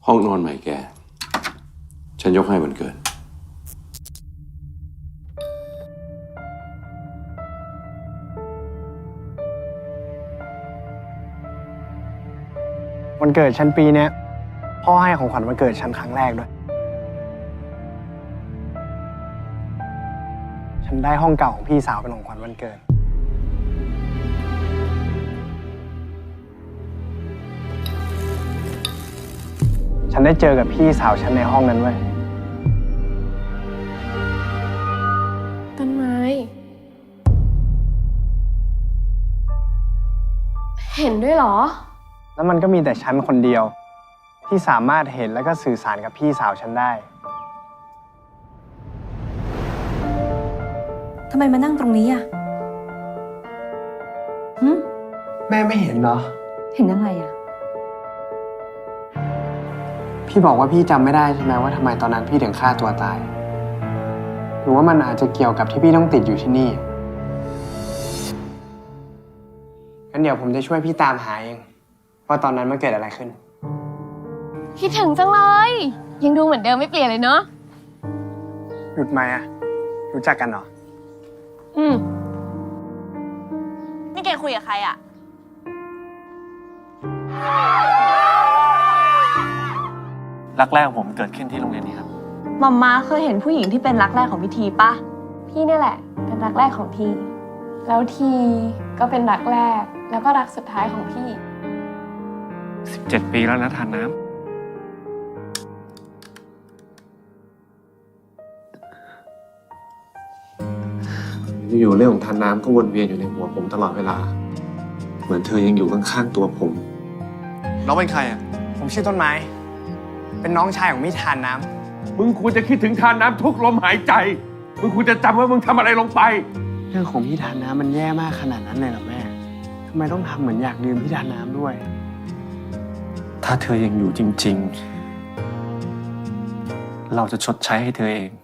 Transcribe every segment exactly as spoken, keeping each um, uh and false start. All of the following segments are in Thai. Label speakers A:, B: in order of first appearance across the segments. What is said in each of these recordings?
A: ห้องนอนใหม่แกฉันยกให้วันเกิด
B: วันเกิดฉันปีเนี้ยพ่อให้ของขวัญวันเกิดฉันครั้งแรกด้วยฉันได้ห้องเก่าของพี่สาวเป็นของขวัญวันเกิดฉันได้เจอกับพี่สาวฉันในห้องนั้นเว้ย
C: ต้นไม้เห็นด้วยเหรอ
B: แล้วมันก็มีแต่ฉันคนเดียวที่สามารถเห็นแล้วก็สื่อสารกับพี่สาวฉันได้
D: ทำไมมานั่งตรงนี้อ่ะหึ
B: แม่ไม่เห็นเหรอ
D: เห็นอะไรอ่ะ
B: พี่บอกว่าพี่จำไม่ได้ใช่ไหมว่าทำไมตอนนั้นพี่ถึงฆ่าตัวตายหรือว่ามันอาจจะเกี่ยวกับที่พี่ต้องติดอยู่ที่นี่งั้นเดี๋ยวผมจะช่วยพี่ตามหาเองว่าตอนนั้นมันเกิดอะไรขึ้น
C: คิดถึงจังเลยยังดูเหมือนเดิมไม่เปลี่ยนเลยเนาะ
B: หยุดไหมอะรู้จักกันเหรอ
C: อืมนี่แกคุยกับใครอะ
E: รักแรกของผมเกิดขึ้นที่โรงเรียนนี้ครับ
C: มัมมาเคยเห็นผู้หญิงที่เป็นรักแรกของพิธีปะพี่นี่แหละเป็นรักแรกของทีแล้วทีก็เป็นรักแรกแล้วก็รักสุดท้ายของพี่
E: สิบเจ็ดปีแล้วนะทานน้ำอยู่ๆเรื่องของทานน้ำก็วนเวียนอยู่ในหัวผมตลอดเวลาเหมือนเธอยังอยู่ข้างๆตัวผมน้องเป็นใครอ่ะ
B: ผมชื่อต้นไม้เป็นน้องชายของมิทานน้
F: ำมึงควรจะคิดถึงทานน้ำทุกลมหายใจมึงควรจะจำว่ามึงทำอะไรลงไป
B: เรื่องของพี่ทานน้ำมันแย่มากขนาดนั้นเลยเหรอแม่ทำไมต้องทำเหมือนอยากดื่มพี่ทานน้ำด้วย
E: ถ้าเธอยังอยู่จริงๆเราจะชดใช้ให้เธอเอง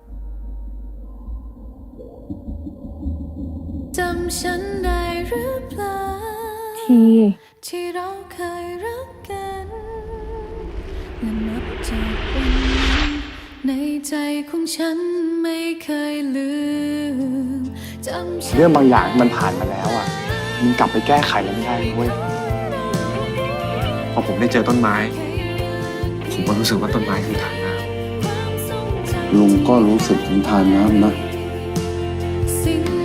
G: จำฉันได้หรือเปล่า
C: ที
G: ที่เราเคยรักกันและนับจากวันนั้นในใจของฉันไม่เคยลืมจำ
B: เรื่องบางอย่างมันผ่านมาแล้วอ่ะมันกลับไปแก้ไขมันไม่ได้เว้ย
E: พอผมได้เจอต้นไม้ผมก็รู้สึกว่าต้นไม้คือทานน้ำ
A: ลุงก็รู้สึกถึงทานน้ำนะ
G: สิ่ง